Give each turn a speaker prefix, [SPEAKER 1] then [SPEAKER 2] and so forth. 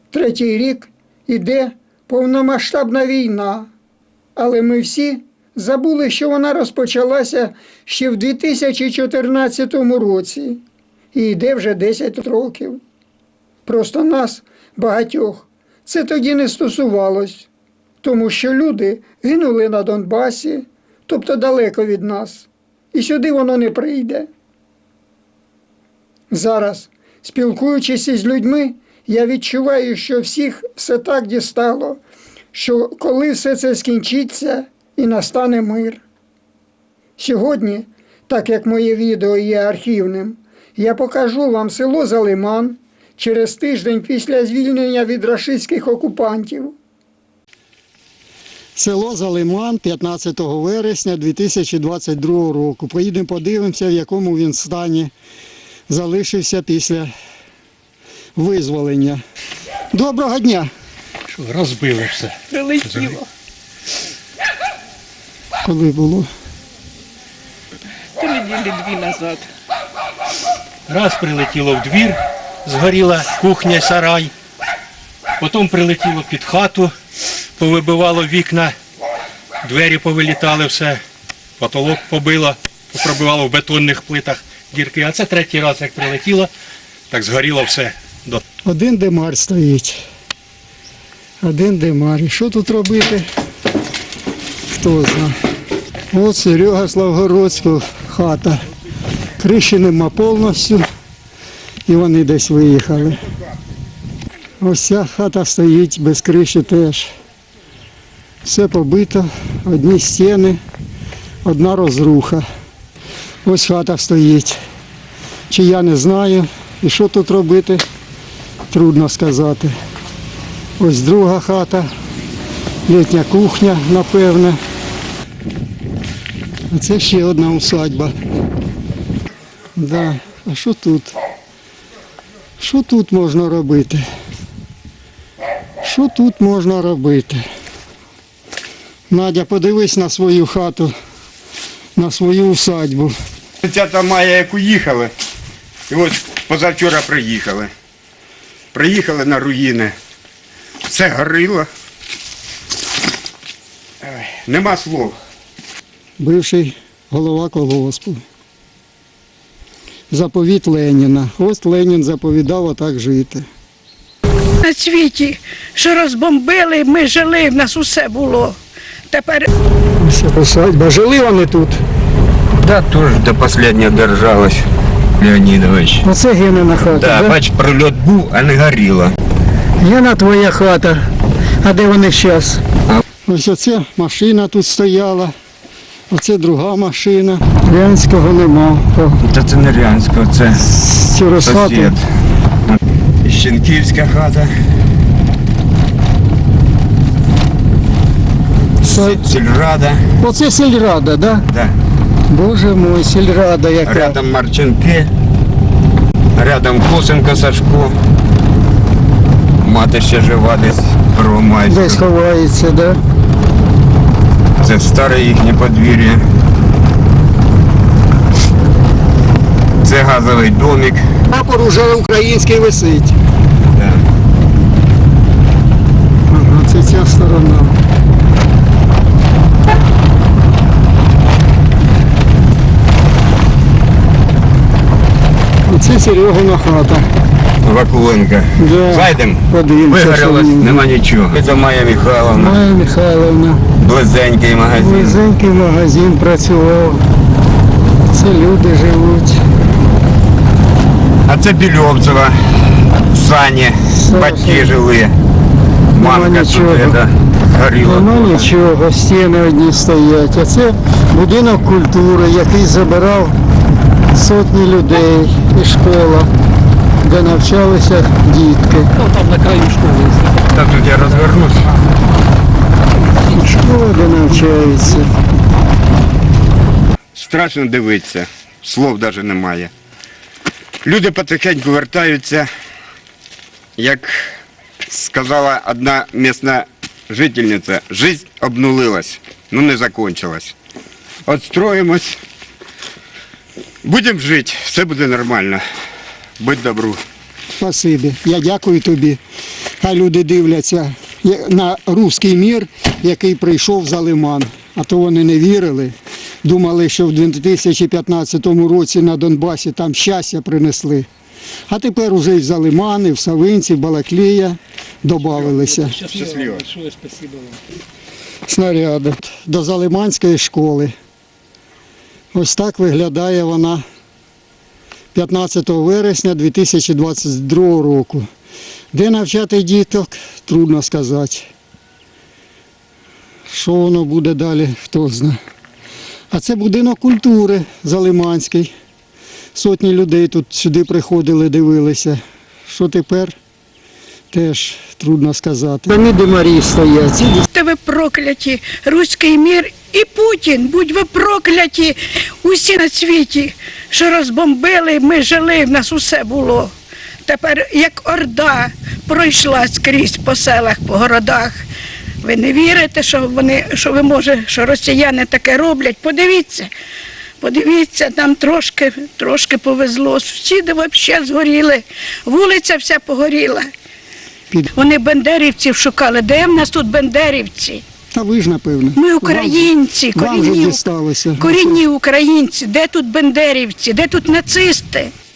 [SPEAKER 1] Третій рік іде повномасштабна війна, але ми всі забули, що вона розпочалася ще в 2014 році і йде вже 10 років. Просто нас, багатьох, це тоді не стосувалось, тому що люди гинули на Донбасі, тобто далеко від нас, і сюди воно не прийде. Зараз, спілкуючись із людьми, я відчуваю, що всіх все так дістало, що коли все це скінчиться і настане мир. Сьогодні, так як моє відео є архівним, я покажу вам село Залиман через тиждень після звільнення від рашистських окупантів. Село Залиман 15 вересня 2022 року. Поїдемо подивимося, в якому він стані залишився після визволення. Доброго дня!
[SPEAKER 2] Що, розбили все?
[SPEAKER 3] Прилетіло.
[SPEAKER 1] Коли було?
[SPEAKER 3] 3 неділі 2 назад.
[SPEAKER 2] Раз прилетіло в двір, згоріла кухня, сарай. Потім прилетіло під хату, повибивало вікна, двері повилітали все, потолок побило, попробивало в бетонних плитах дірки. А це третій раз, як прилетіло, так згоріло все.
[SPEAKER 1] Один димар стоїть. Один димар. І що тут робити? Хто знає. От Серега Славгородського хата. Криші нема повністю. І вони десь виїхали. Ось ця хата стоїть без криші теж. Все побито, одні стіни, одна розруха. Ось хата стоїть. Чи я не знаю. І що тут робити, трудно сказати. Ось друга хата, літня кухня, напевне. А це ще одна усадьба. Да. А що тут? Що тут можна робити? Що тут можна робити? Надя, подивись на свою хату, на свою усадьбу.
[SPEAKER 4] 30 мая, як уїхали, і ось позавчора приїхали. Приїхали на руїни. Все горило. Ой, нема слов.
[SPEAKER 1] Бивший голова колгоспу. Заповіт Леніна. Ось Ленін заповідав отак жити.
[SPEAKER 3] На світі, що розбомбили, ми жили, в нас усе було. Тепер
[SPEAKER 1] Ось усадьба. Жили вони тут.
[SPEAKER 4] Да, теж до останнього держалась, Леонідович.
[SPEAKER 1] Оце Генина хата.
[SPEAKER 4] Да,
[SPEAKER 1] Да?
[SPEAKER 4] бач, прильот був, а не горіло.
[SPEAKER 1] Гена твоя хата. А де вони зараз? Ось оце машина тут стояла. Оце друга машина. Рянського нема.
[SPEAKER 4] Та це не Рянська, це
[SPEAKER 1] Через хату.
[SPEAKER 4] сусід. Щенківська хата. Сільрада.
[SPEAKER 1] Оце сільрада, да?
[SPEAKER 4] Да.
[SPEAKER 1] Боже мой, сільрада яка.
[SPEAKER 4] Рядом Марченки, рядом Косенко Сашко. Мати ще жива десь
[SPEAKER 1] Десь
[SPEAKER 4] Первомайська.
[SPEAKER 1] ховається, да?
[SPEAKER 4] Це старе їхнє подвір'я. Це газовий домик.
[SPEAKER 1] Прапор уже український висить.
[SPEAKER 4] Да.
[SPEAKER 1] Ага, це ця сторона. Оце Серегина хата.
[SPEAKER 4] Вакуленка.
[SPEAKER 1] Да.
[SPEAKER 4] Зайдемо.
[SPEAKER 1] Подивимося, що
[SPEAKER 4] Вигорілось,
[SPEAKER 1] в ній.
[SPEAKER 4] нема нічого. Це Майя Михайловна.
[SPEAKER 1] Майя Михайловна.
[SPEAKER 4] Близенький магазин.
[SPEAKER 1] Близенький магазин працював. Це люди живуть.
[SPEAKER 4] А це Більовцева. Сані. Батьки жили. Мамка тут
[SPEAKER 1] нічого.
[SPEAKER 4] горіла.
[SPEAKER 1] Нема нічого, стіни одні стоять. А це будинок культури, який забирав сотні людей і школа, де навчалися дітки.
[SPEAKER 2] Там на краю школи.
[SPEAKER 4] Та тут я розвернусь.
[SPEAKER 1] Школа, де навчаються.
[SPEAKER 4] Страшно дивитися. Слов навіть немає. Люди потихеньку вертаються. Як сказала одна місцева жительниця, життя обнулилась, ну не закончилась. Отстроїмось. Будемо жити, все буде нормально. Будь добру.
[SPEAKER 1] Спасибі. Я дякую тобі. А люди дивляться на руський мір, який прийшов за лиман. А то вони не вірили. Думали, що в 2015 році на Донбасі там щастя принесли. А тепер уже і в Залиман, і в Савинці, в Балаклія додавалися
[SPEAKER 4] Щасливо.
[SPEAKER 1] снаряди до Залиманської школи. Ось так виглядає вона 15 вересня 2022 року. Де навчати діток, трудно сказати. Що воно буде далі, хто знає. А це будинок культури Залиманський. Сотні людей тут сюди приходили, дивилися. Що тепер, теж трудно сказати. Піраміди Марії стоять.
[SPEAKER 3] Будьте ви прокляті, руський мір і Путін, будь ви прокляті, усі на світі, що розбомбили, ми жили, в нас усе було. Тепер як орда пройшла скрізь по селах, по городах. Ви не вірите, що росіяни таке роблять? Подивіться, нам трошки повезло. Сусіди взагалі згоріли, вулиця вся погоріла. Вони бандерівців шукали. Де в нас тут бандерівці?
[SPEAKER 1] Та ви ж, напевно.
[SPEAKER 3] Ми українці,
[SPEAKER 1] Вам же дісталося.
[SPEAKER 3] корінні українці. Де тут бандерівці, де тут нацисти?